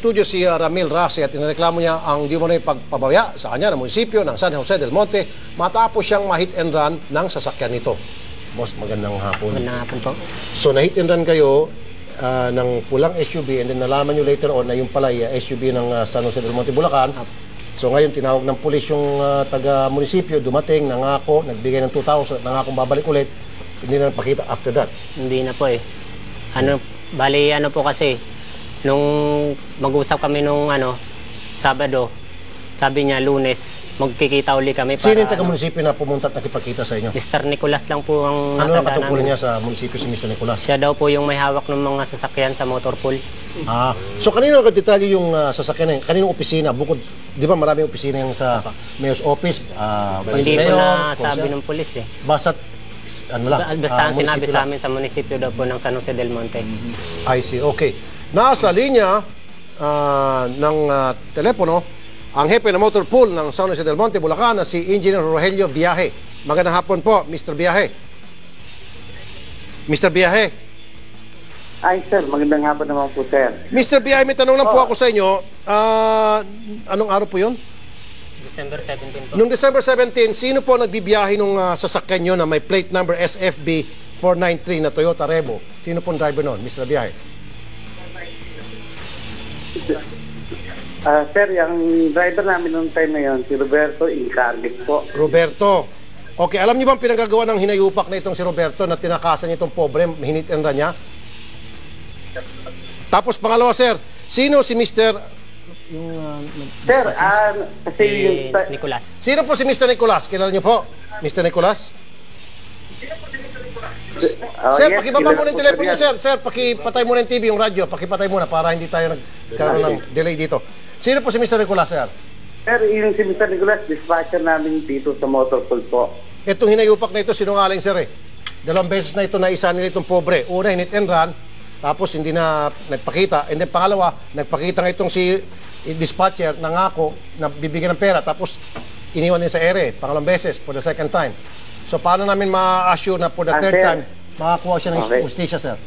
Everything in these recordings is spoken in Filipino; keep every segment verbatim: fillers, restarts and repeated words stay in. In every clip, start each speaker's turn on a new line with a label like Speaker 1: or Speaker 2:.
Speaker 1: studio si uh, Ramil Rasi at inireklamo niya ang di umano'y pagpabaya sa kanya ng munisipyo ng San Jose del Monte matapos siyang ma-hit and run ng sasakyan nito. Boss, magandang hapon.
Speaker 2: Magandang hapon po.
Speaker 1: So na-hit and run kayo uh, ng pulang S U V and then nalaman nyo later on na yung pala uh, S U V ng uh, San Jose del Monte, Bulacan. So ngayon tinawag ng pulis yung uh, taga-munisipyo, dumating, nangako, nagbigay ng two thousand, nangako babalik ulit. Hindi na napakita after that.
Speaker 2: Hindi na po eh. Ano, bali ano po kasi, nung mag-usap kami nung ano, Sabado, sabi niya Lunes, magkikita uli kami para...
Speaker 1: Sino yung taga-munisipyo na pumunta at nakipagkita sa inyo?
Speaker 2: mister Nicolas lang po ang
Speaker 1: Ano ang
Speaker 2: natanda
Speaker 1: katungkulan
Speaker 2: namin.
Speaker 1: niya sa munisipyo si mister Nicolas?
Speaker 2: Siya daw po yung may hawak ng mga sasakyan sa motor pool.
Speaker 1: Ah, so kanino ang detalye yung uh, sasakyan na yun? Kaninong opisina? Bukod, di ba maraming opisina yung sa mayor's office, uh,
Speaker 2: Hindi
Speaker 1: vice
Speaker 2: po
Speaker 1: mayor,
Speaker 2: na sabi
Speaker 1: konsel?
Speaker 2: ng pulis eh.
Speaker 1: Basta, ano lang?
Speaker 2: Basta
Speaker 1: ah,
Speaker 2: ang sinabi
Speaker 1: munisipyo
Speaker 2: sa
Speaker 1: lang.
Speaker 2: amin sa munisipyo daw po ng San Jose del Monte.
Speaker 1: I see, okay. Nasa linya uh, ng uh, telepono, ang hepe ng motor pool ng San Jose del Monte, Bulacan, na si Engineer Rogelio Viaje. Magandang hapon po, mister Viaje. mister Viaje.
Speaker 3: Ay, sir. Magandang hapon naman po, sir.
Speaker 1: mister Viaje, may tanong lang po ako sa inyo. Uh, anong araw po yun?
Speaker 2: December seventeenth po.
Speaker 1: Noong December seventeenth, sino po nagbibiyahe nung uh, sasakyan nyo na may plate number S F B four ninety-three na Toyota Revo? Sino pong driver noon, mister Viaje?
Speaker 3: Ah, sir, yung driver namin noong time na yun, si Roberto Incardic po.
Speaker 1: Roberto. Okay, alam niyo ba ang pinagagawa ng hinayupak na itong si Roberto na tinakasan niya itong pobre, hinit and run niya? Tapos pangalawa, sir, sino si mister Yung, uh,
Speaker 3: Sir, ah, kasi
Speaker 2: Si
Speaker 3: yung... ta-
Speaker 2: Nicolas.
Speaker 1: Sino po si mister Nicolas? Kilala niyo po? mister Nicolas?
Speaker 3: Ah,
Speaker 1: Sir,
Speaker 3: yes,
Speaker 1: pakibaba
Speaker 3: kilala
Speaker 1: muna yung
Speaker 3: po,
Speaker 1: telepono niyo,
Speaker 3: yan.
Speaker 1: sir. Sir, pakipatay muna yung T V, yung radyo. Pakipatay muna para hindi tayo nagkaroon ng delay dito. Sino po si mister Nicolas, sir?
Speaker 3: Sir, yung si mister Nicolas, dispatcher namin dito sa motor pool po.
Speaker 1: Itong hinayupak na ito, sinungaling, sir, eh. Dalawang beses na ito na isa nila itong pobre. Una, hinit and run. Tapos hindi na nagpakita. And then pangalawa, nagpakita nga itong si dispatcher, nangako na bibigyan ng pera. Tapos iniwan din sa ere, pangalawang beses, for the second time. So paano namin ma-assure na for the
Speaker 3: Ah,
Speaker 1: third
Speaker 3: sir.
Speaker 1: time, makakuha siya ng
Speaker 3: Okay.
Speaker 1: justisya, sir?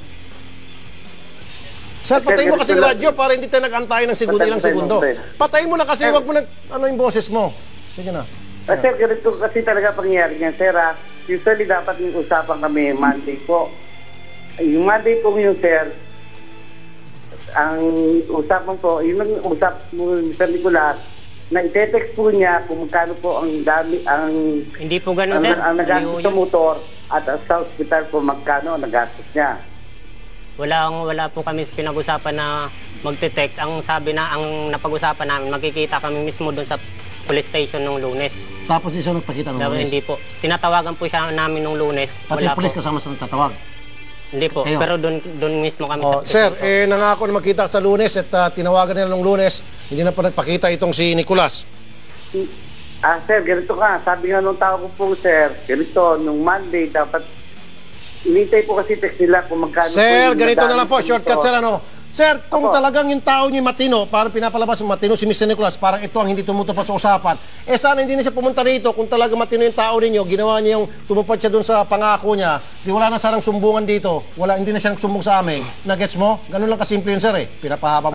Speaker 1: Sir, patayin mo kasi
Speaker 3: ganito
Speaker 1: yung
Speaker 3: lang.
Speaker 1: radyo para hindi tayo nag-antay ng segundo
Speaker 3: Patay-
Speaker 1: ilang
Speaker 3: patay mo,
Speaker 1: segundo.
Speaker 3: sir.
Speaker 1: Patayin mo na kasi,
Speaker 3: Sir.
Speaker 1: wag mo na, ano yung boses mo. Sige na.
Speaker 3: Ah, sir, ganito kasi talaga pangyayari niyan, sir. Ah. Usually, dapat yung usapan kami Monday po. Yung Monday po yung sir, ang usapan po, yung usap mo, mister Nicolas, na ite-text po niya kung magkano po ang dami, ang,
Speaker 2: Hindi po ganun,
Speaker 3: ang,
Speaker 2: sir.
Speaker 3: ang nagastos
Speaker 2: Hindi
Speaker 3: sa
Speaker 2: po yun.
Speaker 3: motor at sa hospital po magkano ang nagastos niya.
Speaker 2: Wala, wala po kami pinag-usapan na magte-text. Ang sabi na, ang napag-usapan namin, magkikita kami mismo doon sa police station nung Lunes.
Speaker 1: Tapos di siya nagpakita ng
Speaker 2: Dapat
Speaker 1: lunes.
Speaker 2: hindi po. Tinatawagan po siya namin nung Lunes.
Speaker 1: Pati
Speaker 2: Wala
Speaker 1: yung polis
Speaker 2: po.
Speaker 1: kasama sa nagtatawag.
Speaker 2: Hindi po.
Speaker 1: Kayo?
Speaker 2: Pero doon doon mismo kami
Speaker 1: Oh,
Speaker 2: sa
Speaker 1: sir, eh, nangako na magkita sa lunes at uh, tinawagan nila nung lunes. Hindi na po nagpakita itong si Nicolas.
Speaker 3: Ah, sir, ganito ka. Sabi nga nung tao ko po, sir, ganito, nung Monday, dapat, inintay po kasi text nila kung magkano
Speaker 1: Sir,
Speaker 3: yung
Speaker 1: ganito na
Speaker 3: nadami
Speaker 1: lang po.
Speaker 3: sa
Speaker 1: Shortcut,
Speaker 3: motor.
Speaker 1: sir, ano? Sir, kung
Speaker 3: Opo.
Speaker 1: talagang yung tao niyo matino, parang pinapalabas yung matino si mister Nicolas, parang ito ang hindi tumutupad sa usapan, eh sana hindi na siya pumunta rito. Kung talagang matino yung tao ninyo, ginawa niya yung tumupad siya dun sa pangako niya, di wala na sarang sumbungan dito. Wala, hindi na siya nagsumbong sa amin. Nagets mo? Ganun lang kasimple yun, sir, eh. Pinapahaba